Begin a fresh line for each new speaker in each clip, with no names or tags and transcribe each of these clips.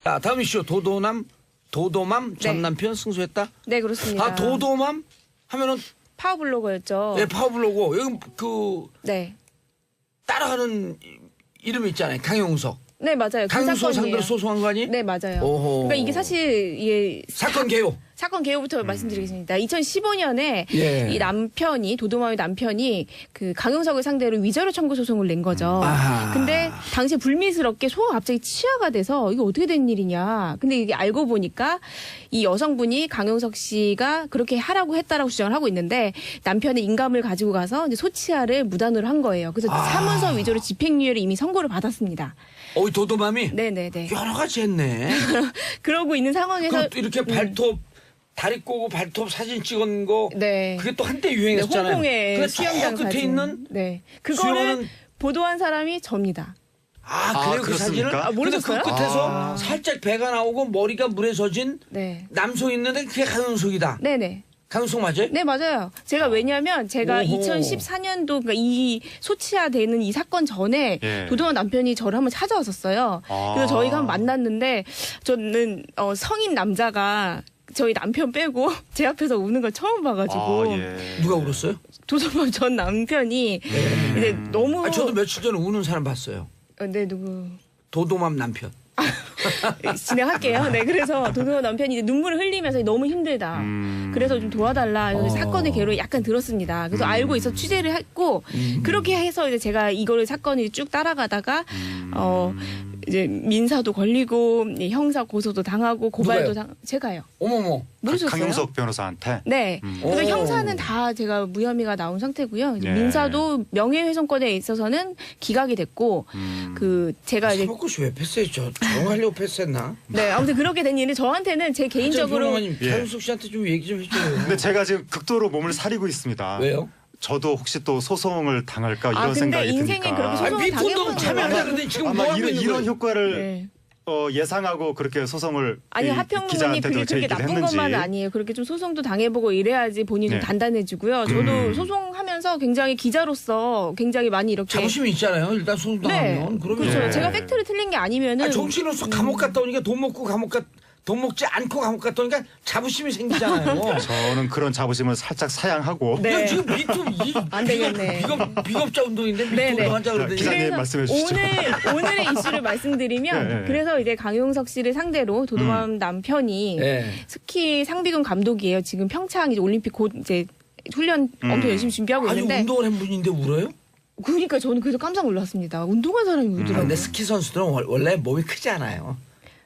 자, 다음 이슈 도도맘 전
네.
남편 승소했다.
네, 그렇습니다.
아, 도도맘 하면은
파워블로거였죠.
예, 파워블로고 여기 그
네.
따라가는 이름이 있잖아요. 강용석.
네, 맞아요. 그
강용석
사건이에요.
상대로 소송한 거 아니?
네, 맞아요.
오호.
그러니까 이게 사실 이게
사건 개요.
사건 개요부터 말씀드리겠습니다. 2015년에
예.
이 남편이 도도맘의 남편이 그 강용석을 상대로 위자료 청구 소송을 낸 거죠.
아하.
근데 당시에 불미스럽게 소가 갑자기 치아가 돼서 이게 어떻게 된 일이냐. 근데 이게 알고 보니까 이 여성분이 강용석 씨가 그렇게 하라고 했다라고 주장을 하고 있는데 남편의 인감을 가지고 가서 이제 소치아를 무단으로 한 거예요. 그래서 사문서 위조로 집행유예를 이미 선고를 받았습니다.
이 도도맘이
네네네.
여러 가지 했네.
그러고 있는 상황에서
그럼 또 이렇게 발톱 다리 꼬고 발톱 사진 찍은 거
네.
그게 또 한때
네,
유행했잖아요.
홍콩의
근데
수영장
저 끝에
사진.
있는
네. 그거를
수영하는-
보도한 사람이 접니다.
그래요 그 사진을?
그렇습니까?
근데 그
모르셨어요?
끝에서 살짝 배가 나오고 머리가 물에 젖은
네.
남성 있는데 그게 강용석이다.
네네.
강용석 맞아요?
네, 맞아요. 제가 왜냐면 제가
오호.
2014년도 그러니까 이 소치아 되는 이 사건 전에
예.
도도맘 남편이 저를 한번 찾아왔었어요. 그래서 저희가 한번 만났는데 저는 성인 남자가 저희 남편 빼고 제 앞에서 우는 걸 처음 봐가지고
예.
누가 울었어요?
도도맘 전 남편이 이제 너무
저도 며칠 전에 우는 사람 봤어요.
네, 누구
도도맘 남편.
진행할게요. 네, 그래서 도도맘 남편이 이제 눈물을 흘리면서 너무 힘들다. 그래서 좀 도와달라. 그래서 사건의 개로 약간 들었습니다. 그래서 알고 있어 취재를 했고 그렇게 해서 이제 제가 이거를 사건을 쭉 따라가다가 이제 민사도 걸리고 형사 고소도 당하고 고발도
누가요?
제가요.
어머머.
모르셨어요?
강용석 변호사한테.
네. 그래서
오.
형사는 다 제가 무혐의가 나온 상태고요. 이제
네.
민사도 명예훼손권에 있어서는 기각이 됐고 그 제가 이제
사법고시 왜 패스했죠? 조용하려고 패스했나?
네 아무튼 그렇게 된 일은 저한테는 제 개인적으로
예.
강용석 씨한테 좀 얘기 좀 해줘요.
근데 제가 지금 극도로 몸을 사리고 있습니다.
왜요?
저도 혹시 또 소송을 당할까 이런
근데
생각이
인생에
드니까.
그렇게 소송을
미폰도
당해보는
참여하자
거예요.
그러더니 지금 뭐
아마
하고 있는
이런
거예요?
효과를
네.
예상하고 그렇게 소송을
아니
이
하평론이
기자한테도
그게 그렇게
제기를
나쁜
했는지.
것만은 아니에요. 그렇게 좀 소송도 당해보고 이래야지 본인이 좀
네.
단단해지고요. 저도 소송하면서 굉장히 기자로서 굉장히 많이 이렇게
자부심이 있잖아요. 일단 소송도
네,
하면. 그러면
그렇죠.
예.
제가 팩트를 틀린 게 아니면은
정치인으로서 감옥 갔다 오니까 돈 먹지 않고 감옥 갔다 오니까 자부심이 생기잖아요.
저는 그런 자부심을 살짝 사양하고
네.
야, 지금 미투
안 되겠네.
비겁자 운동인데 미투
네, 네.
운동하자 그러더니
기자님
그래서
말씀해 주시죠.
오늘의 이슈를 말씀드리면
네, 네.
그래서 이제 강용석 씨를 상대로 도도맘 남편이
네.
스키 상비군 감독이에요. 지금 평창 이제 올림픽 곧 이제 훈련 엄청 열심히 준비하고
아니
있는데
운동을 한 분인데 울어요?
그러니까 저는 그래서 깜짝 놀랐습니다. 운동한 사람이 울더라고요.
근데 스키 선수들은 원래 몸이 크지 않아요.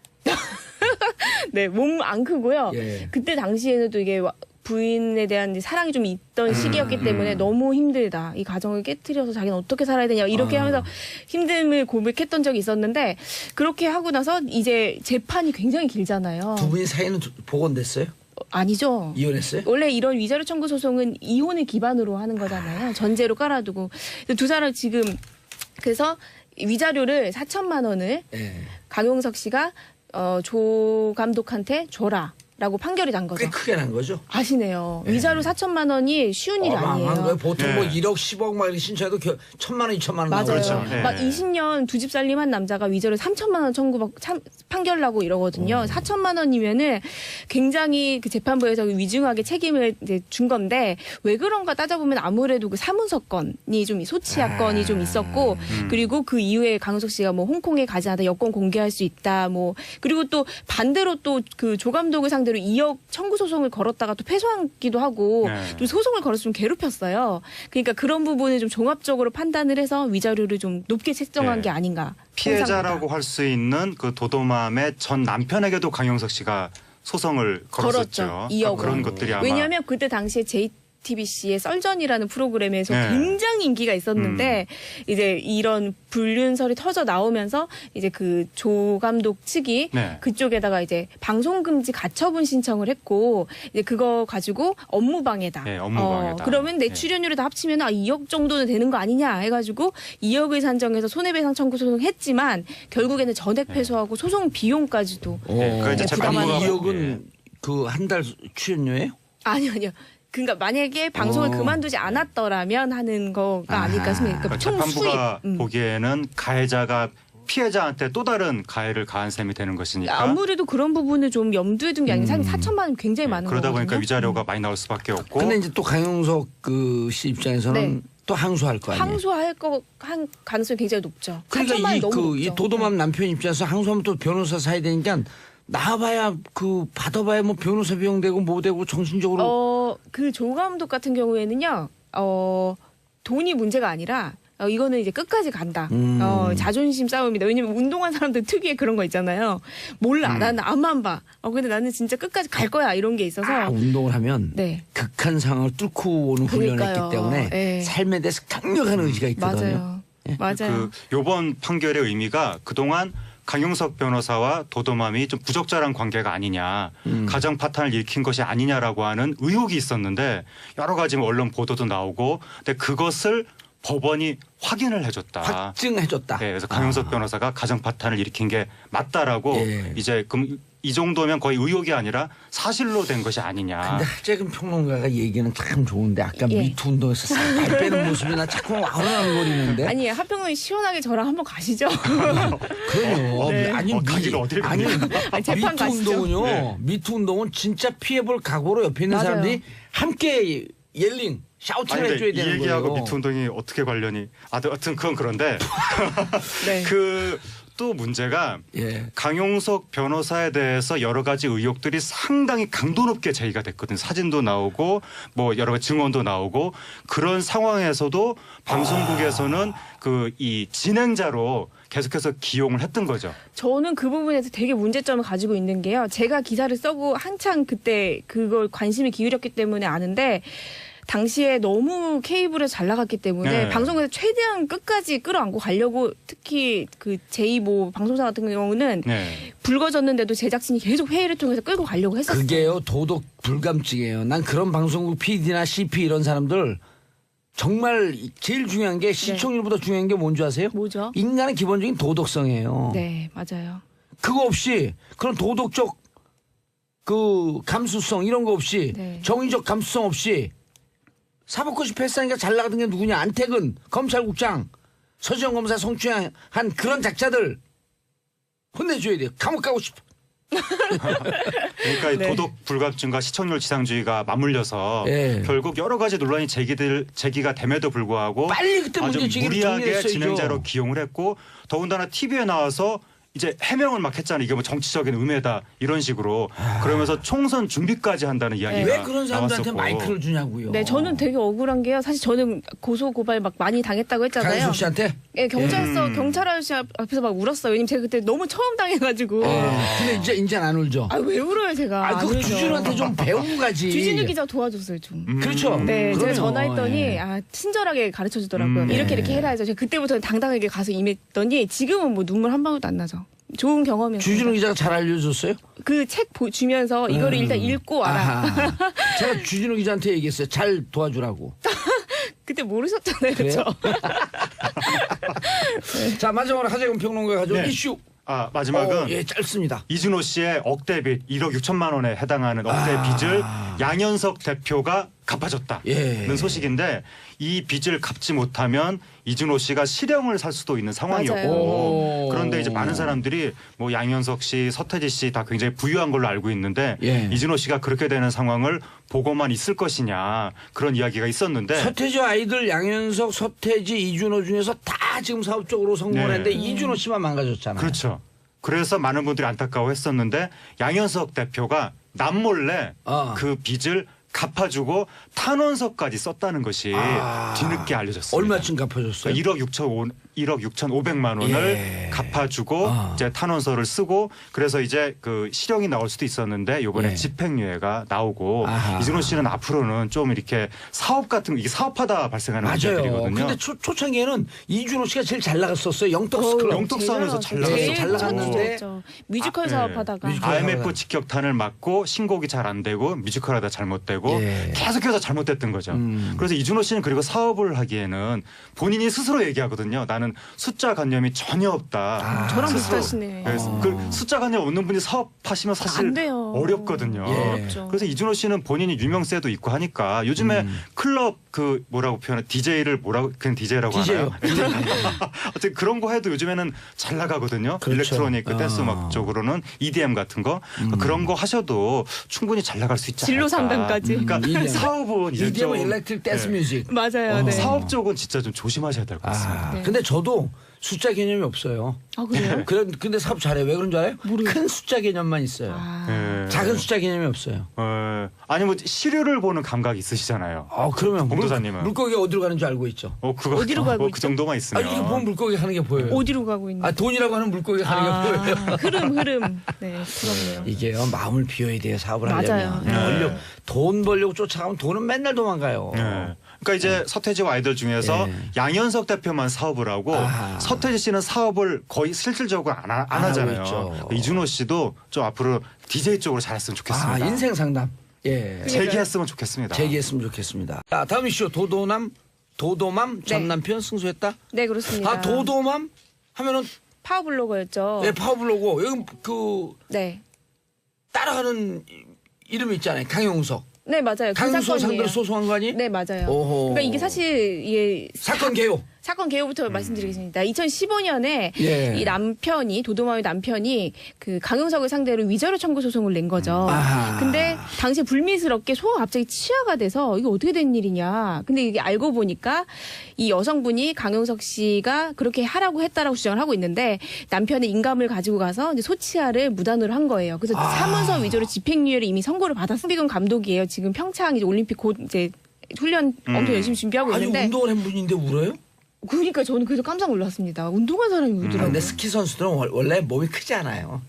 네, 몸 안 크고요.
예.
그때 당시에는 또 이게 부인에 대한 이제 사랑이 좀 있던 시기였기 때문에 너무 힘들다. 이 가정을 깨트려서 자기는 어떻게 살아야 되냐. 이렇게 하면서 힘듦을 고백했던 적이 있었는데 그렇게 하고 나서 이제 재판이 굉장히 길잖아요.
두 분이 사이는 복원됐어요?
아니죠.
이혼했어요?
원래 이런 위자료 청구 소송은 이혼을 기반으로 하는 거잖아요. 전제로 깔아두고. 두 사람 지금 그래서 위자료를 4천만 원을
예.
강용석 씨가 조 감독한테 줘라라고 판결이 난 거죠.
꽤 크게 난 거죠.
아시네요. 위자료 4천만 원이 쉬운 일이
어마어마한 거예요.
아니에요.
보통
네.
뭐 1억, 10억 막 이렇게 신청해도 1,000만 원, 2,000만 원
맞아요.
나오죠.
그렇죠. 네.
막 20년 두 집 살림한 남자가 위자료 3천만 원 판결 나고 이러거든요. 4천만 원이면은 굉장히 그 재판부에서 위중하게 책임을 이제 준 건데 왜 그런가 따져보면 아무래도 그 사문서 건이 좀 소치아 건이 좀 있었고 그리고 그 이후에 강용석 씨가 뭐 홍콩에 가지 않아도 여권 공개할 수 있다 뭐 그리고 또 반대로 또 그 조 감독을 상대로 2억 청구 소송을 걸었다가 또 패소하기도 하고
네.
좀 소송을 걸어서 좀 괴롭혔어요. 그러니까 그런 부분을 좀 종합적으로 판단을 해서 위자료를 좀 높게 책정한
네.
게 아닌가.
피해자라고 할 수 있는 그 도도맘의 전 남편에게도 강용석 씨가 소송을 걸었었죠.
2억
그런
원.
것들이 아마
왜냐하면 그때 당시에 JTBC의 썰전이라는 프로그램에서
네.
굉장히 인기가 있었는데 이제 이런 불륜설이 터져 나오면서 이제 그 조 감독 측이
네.
그쪽에다가 이제 방송금지 가처분 신청을 했고 이제 그거 가지고 업무방해다.
네, 업무방해다.
그러면 내
네.
출연료를 다 합치면 2억 정도는 되는 거 아니냐 해가지고 2억을 산정해서 손해배상 청구 소송했지만 결국에는 전액 패소하고 소송 비용까지도
네, 그 이제
부담하는
재판부가
2억은 그 한 달 출연료예요?
아니요. 그러니까 만약에 방송을 그만두지 않았더라면 하는 거가 아닐까 싶습니다.
그러니까
그러니까 총 수입.
재판부가 보기에는 가해자가 피해자한테 또 다른 가해를 가한 셈이 되는 것이니까.
아무래도 그런 부분을 좀 염두에 둔 게 아니라 사실 4천만 원 굉장히 많은
그러다
거거든요.
보니까 위자료가 많이 나올 수밖에 없고.
근데 이제 또 강용석 그 씨 입장에서는
네.
또 항소할 거 아니에요.
항소할 한 가능성이 굉장히 높죠. 4천만
그러니까
원이 너무
이
높죠.
도도맘 남편 입장에서 항소하면 또 변호사 사야 되니까 나와봐야 받아봐야 뭐 변호사 비용 되고 뭐 되고 정신적으로
그 조 감독 같은 경우에는요, 돈이 문제가 아니라 이거는 이제 끝까지 간다. 자존심 싸움이다. 왜냐면 운동한 사람들 특유의 그런 거 있잖아요. 몰라. 나는 앞만 봐. 근데 나는 진짜 끝까지 갈 거야. 이런 게 있어서.
운동을 하면
네.
극한 상황을 뚫고 오는 훈련을
그러니까요.
했기 때문에
네.
삶에 대해서 강력한 의지가 있거든요.
맞아요. 맞아요.
요번 판결의 의미가 그동안 강용석 변호사와 도도맘이 좀 부적절한 관계가 아니냐, 가정 파탄을 일으킨 것이 아니냐라고 하는 의혹이 있었는데 여러 가지 언론 보도도 나오고, 근데 그것을 법원이 확인을 해줬다.
확증해줬다.
네, 그래서 강용석 변호사가 가정 파탄을 일으킨 게 맞다라고
예.
이제 이 정도면 거의 의혹이 아니라 사실로 된 것이 아니냐.
근데 하재근 평론가가 얘기는 참 좋은데 아까
예.
미투 운동에서 살 빼는 모습이나 자꾸 아른아른거리는데.
아니 하평은 시원하게 저랑 한번 가시죠.
그럼요.
네.
아니
가기를 어딜
아니
재판
미투
가시죠.
운동은요.
네.
미투 운동은 진짜 피해볼 각오로 옆에 있는
맞아요.
사람들이 함께 옐링 샤우팅을
아니,
해줘야
근데 이
되는
얘기하고
거예요.
미투 운동이 어떻게 관련이? 하여튼 그건 그런데
네.
또 문제가
예.
강용석 변호사에 대해서 여러 가지 의혹들이 상당히 강도 높게 제기가 됐거든요. 사진도 나오고 뭐 여러 가지 증언도 나오고 그런 상황에서도 방송국에서는 이 진행자로 계속해서 기용을 했던 거죠.
저는 그 부분에서 되게 문제점을 가지고 있는 게요. 제가 기사를 써고 한창 그때 그걸 관심을 기울였기 때문에 아는데 당시에 너무 케이블에서 잘 나갔기 때문에
네.
방송에서 최대한 끝까지 끌어안고 가려고 특히 그 제2모 방송사 같은 경우는
네.
불거졌는데도 제작진이 계속 회의를 통해서 끌고 가려고 했었어요.
그게요 도덕 불감증이에요. 난 그런 방송국 PD나 CP 이런 사람들 정말 제일 중요한 게 시청률보다 중요한 게 뭔지 아세요?
뭐죠?
인간의 기본적인 도덕성이에요.
네, 맞아요.
그거 없이 그런 도덕적 감수성 이런 거 없이
네.
정의적 감수성 없이 사법고시 패스하니까 잘 나가던 게 누구냐? 안택은 검찰국장 서지영 검사 성추행한 그런 작자들 혼내줘야 돼요. 감옥 가고 싶어.
그러니까 이
네.
도덕 불감증과 시청률 지상주의가 맞물려서
예.
결국 여러 가지 논란이 제기가 됨에도 불구하고
빨리 그때
아주
문제 제기를
무리하게
정리했어야죠.
진행자로 기용을 했고 더군다나 TV에 나와서 이제 해명을 막 했잖아요. 이게 뭐 정치적인 음해다 이런 식으로 그러면서 총선 준비까지 한다는 이야기가
왜 그런 사람들한테
나왔었고.
마이크를 주냐고요.
네, 저는 되게 억울한 게요. 사실 저는 고소 고발 막 많이 당했다고 했잖아요.
강현숙 씨한테.
예, 경찰 아저씨 앞에서 막 울었어요. 왜냐면 제가 그때 너무 처음 당해가지고.
근데 이제는 안 울죠.
아, 왜 울어요, 제가? 안
그거
울죠.
주진우한테 좀 배우고 가지.
주진우 기자 도와줬어요, 좀.
그렇죠.
네, 제가
그럼요.
전화했더니
예.
친절하게 가르쳐 주더라고요. 이렇게 해라 해서 제가 그때부터는 당당하게 가서 임했더니 지금은 뭐 눈물 한 방울도 안 나죠. 좋은 경험이었어요.
주진우 기자가 잘 알려줬어요?
그 책 주면서 이거를 일단 읽고 알아.
아하. 제가 주진우 기자한테 얘기했어요. 잘 도와주라고.
그때 모르셨잖아요,
그래요?
그렇죠?
자 마지막으로 하재근 평론가가 가져온
네.
이슈.
마지막은
예, 짧습니다.
이준호 씨의 억대빚 1억 6천만 원에 해당하는 억대빚을 양현석 대표가 갚아줬다는
예.
소식인데 이 빚을 갚지 못하면 이준호 씨가 실형을 살 수도 있는 상황이었고
맞아요.
그런데 이제 많은 사람들이 뭐 양현석 씨, 서태지 씨 다 굉장히 부유한 걸로 알고 있는데
예.
이준호 씨가 그렇게 되는 상황을 보고만 있을 것이냐 그런 이야기가 있었는데
서태지 아이들 양현석, 서태지, 이준호 중에서 다 지금 사업적으로 성공을
네.
했는데 이준호 씨만 망가졌잖아요.
그렇죠. 그래서 많은 분들이 안타까워했었는데 양현석 대표가 남몰래 그 빚을 갚아주고 탄원서까지 썼다는 것이 뒤늦게 알려졌습니다.
얼마쯤 갚아줬어요?
그러니까 1억 6,500만 원을
예.
갚아주고 이제 탄원서를 쓰고 그래서 이제 그 실형이 나올 수도 있었는데 이번에
예.
집행유예가 나오고
아하.
이준호 씨는 앞으로는 좀 이렇게 사업 같은 이게 사업하다 발생하는
맞아요.
문제들이거든요.
근데 초창기에는 이준호 씨가 제일 잘 나갔었어요. 영떡스클럽.
영떡스하면서 잘
제일
잘 나갔는데
첫 뮤지컬
네.
사업하다가
뮤지컬
IMF 직격탄을 맞고 신곡이 잘 안 되고 뮤지컬하다 잘못되고
예.
계속해서 잘못됐던 거죠. 그래서 이준호 씨는 그리고 사업을 하기에는 본인이 스스로 얘기하거든요. 나는 숫자 관념이 전혀 없다.
저랑
스스로.
비슷하시네.
그래서 그 숫자 관념 없는 분이 사업하시면 사실
안 돼요.
어렵거든요.
예.
어렵죠.
그래서 이준호 씨는 본인이 유명세도 있고 하니까 요즘에 클럽 그 뭐라고 표현해 DJ를 뭐라고 그냥 DJ라고
DJ요.
하나요? 어쨌든 그런 거 해도 요즘에는 잘 나가거든요.
그렇죠.
일렉트로닉 그 댄스 음악 쪽으로는 EDM 같은 거 그런 거 하셔도 충분히 잘 나갈 수 있지 않을까.
진로 상담까지.
그러니까
EDM.
사업은 이제 좀
EDM 일렉트릭 댄스
네.
뮤직.
맞아요. 네.
사업 쪽은 진짜 좀 조심하셔야 될 것 같습니다.
네.
근데 저도 숫자 개념이 없어요.
아 그래요?
근데 사업 잘해요. 왜 그런 줄 알아요? 큰 숫자 개념만 있어요.
아.
예.
작은 숫자 개념이 없어요.
아니 뭐 시류를 보는 감각이 있으시잖아요.
그러면
봉도사님은?
물고기가 어디로 가는 줄 알고 있죠.
그거
어디로 가고
그
있죠?
정도만
아,
있으면.
이렇게 보면 물고기가 가는 게 보여요.
어디로 가고 있는?
돈이라고 하는 물고기가 가는 게 보여요.
흐름. 네, 그렇네요.
이게요, 마음을 비워야 돼요, 사업을
맞아요.
하려면.
네.
돈 벌려고 쫓아가면 돈은 맨날 도망가요.
네. 그러니까 이제 서태지와 아이들 중에서
네.
양현석 대표만 사업을 하고
아하.
서태지 씨는 사업을 거의 실질적으로 안
하고
하잖아요.
있죠.
이준호 씨도 좀 앞으로 DJ 쪽으로 잘했으면 좋겠습니다.
인생 상담. 예.
재기했으면 좋겠습니다.
제기했으면 좋겠습니다. 자, 다음 이슈. 도도맘 전
네.
남편 승소했다?
네, 그렇습니다.
도도맘 하면은
파워블로거였죠.
예, 파워블로고 여기
네.
따라가는 이름이 있잖아요. 강용석.
네, 맞아요. 그
강용석
사건이에요.
상대로 소송한 거 아니?
네, 맞아요.
오호.
그러니까 이게 사실 이게
사건 개요.
사건 개요부터 말씀드리겠습니다. 2015년에
예.
이 남편이 도도맘의 남편이 그 강용석을 상대로 위자료 청구 소송을 낸 거죠.
아하.
근데 당시에 불미스럽게 소가 갑자기 치아가 돼서 이게 어떻게 된 일이냐. 근데 이게 알고 보니까 이 여성분이 강용석 씨가 그렇게 하라고 했다라고 주장을 하고 있는데 남편의 인감을 가지고 가서 이제 소치아를 무단으로 한 거예요. 그래서 사문서 위조로 집행유예를 이미 선고를 받았어요. 홍비근 감독이에요. 지금 평창 이제 올림픽 곧 이제 훈련 엄청 열심히 준비하고
아니
있는데.
운동을 한 분인데 울어요?
그러니까 저는 그래서 깜짝 놀랐습니다. 운동한 사람이 울더라고요.
근데 스키 선수들은 원래 몸이 크지 않아요.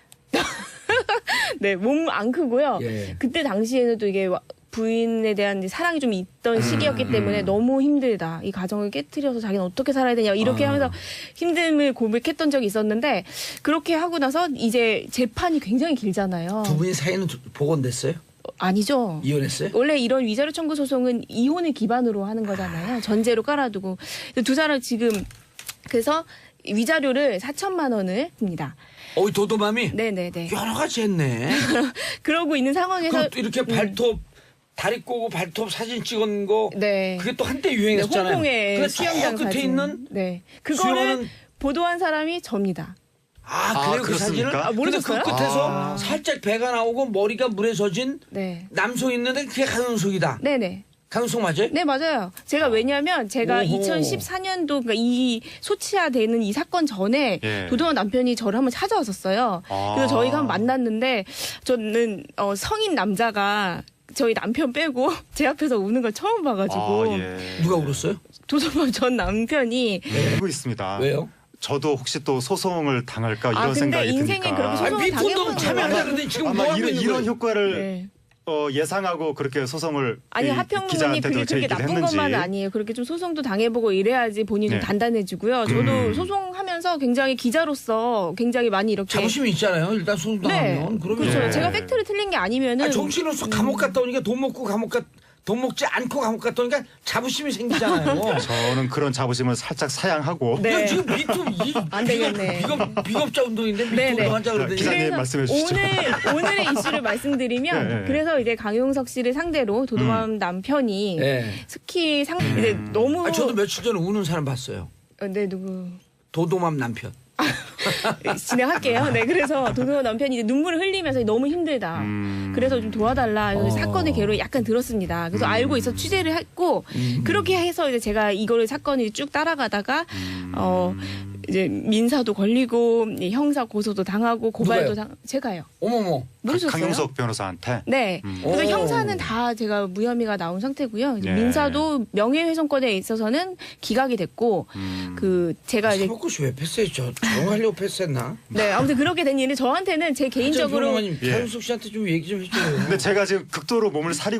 네, 몸 안 크고요.
예.
그때 당시에는 또 이게 부인에 대한 이제 사랑이 좀 있던 시기였기 때문에 너무 힘들다. 이 가정을 깨트려서 자기는 어떻게 살아야 되냐. 이렇게 하면서 힘듦을 고백했던 적이 있었는데 그렇게 하고 나서 이제 재판이 굉장히 길잖아요.
두 분이 사이는 복원됐어요?
아니죠.
이혼했어요?
원래 이런 위자료 청구 소송은 이혼을 기반으로 하는 거잖아요. 전제로 깔아두고. 두 사람 지금 그래서 위자료를 4천만 원을 줍니다.
이 도도맘이
네네네.
여러 가지 했네.
그러고 있는 상황에서
그럼 또 이렇게 발톱 다리 꼬고 발톱 사진 찍은 거
네.
그게 또 한때
네,
유행했잖아요.
홍콩의
근데
수영장
저 끝에
사진.
있는
네. 그거를
수영하는-
보도한 사람이 접니다.
그래요 그
그렇습니까?
사진을? 근데
모르셨어요?
그 끝에서 살짝 배가 나오고 머리가 물에 젖은
네.
남성 있는데 그게 강용석이다.
네네.
강용석 맞아요?
네, 맞아요. 제가 왜냐면 제가
오호.
2014년도 그러니까 이 소치아 되는 이 사건 전에
예.
도도한 남편이 저를 한번 찾아왔었어요. 그래서 저희가 한번 만났는데 저는 성인 남자가 저희 남편 빼고 제 앞에서 우는 걸 처음 봐가지고
예.
누가 울었어요?
도도만 전 남편이
알고 있습니다.
왜요?
저도 혹시 또 소송을 당할까 이런
근데
생각이
인생에
드니까.
그렇게 소송을
미투도
당해보는
참여하자
거예요.
그러더니 지금 뭐
아마
하고 있는
이런
거예요?
효과를
네.
예상하고 그렇게 소송을
아니
이
하평론이
기자한테도
그게 그렇게
제기를
나쁜
했는지.
것만은 아니에요. 그렇게 좀 소송도 당해보고 이래야지 본인이 좀
네.
단단해지고요. 저도 소송하면서 굉장히 기자로서 굉장히 많이 이렇게
자부심이 있잖아요. 일단 소송당하면. 그러면
그렇죠.
예.
제가 팩트를 틀린 게 아니면은
정치인으로서 감옥 갔다 오니까 돈 먹지 않고 감옥 갔다 오니까 자부심이 생기잖아요.
저는 그런 자부심을 살짝 사양하고
네.
야, 지금 미투
안 되겠네.
비겁자 운동인데 미투
네, 네.
운동하자 그러더니
기자님
그래서
말씀해 주시죠.
오늘의 이슈를 말씀드리면
예, 예.
그래서 이제 강용석 씨를 상대로 도도맘 남편이
예.
스키 이제 너무
저도 며칠 전에 우는 사람 봤어요.
네 누구
도도맘 남편.
진행할게요. 네, 그래서 도도맘 남편이 이제 눈물을 흘리면서 너무 힘들다. 그래서 좀 도와달라. 그래서 사건의 개로 약간 들었습니다. 그래서 알고 있어 취재를 했고 그렇게 해서 이제 제가 이거를 사건을 쭉 따라가다가 이제 민사도 걸리고 형사 고소도 당하고 고발도
누가요?
제가요.
어머머.
모르셨어요?
강용석 변호사한테.
네. 그래서
오.
형사는 다 제가 무혐의가 나온 상태고요. 이제
예.
민사도 명예훼손권에 있어서는 기각이 됐고 그 제가 이제
사법고시 왜 패스해? 저런 거 하려고 패스했나?
네 아무튼 그렇게 된 일이 저한테는 제 개인적으로
장평론가님,
예.
강용석 씨한테 좀 얘기 좀 해줘요.
근데 제가 지금 극도로 몸을 사리고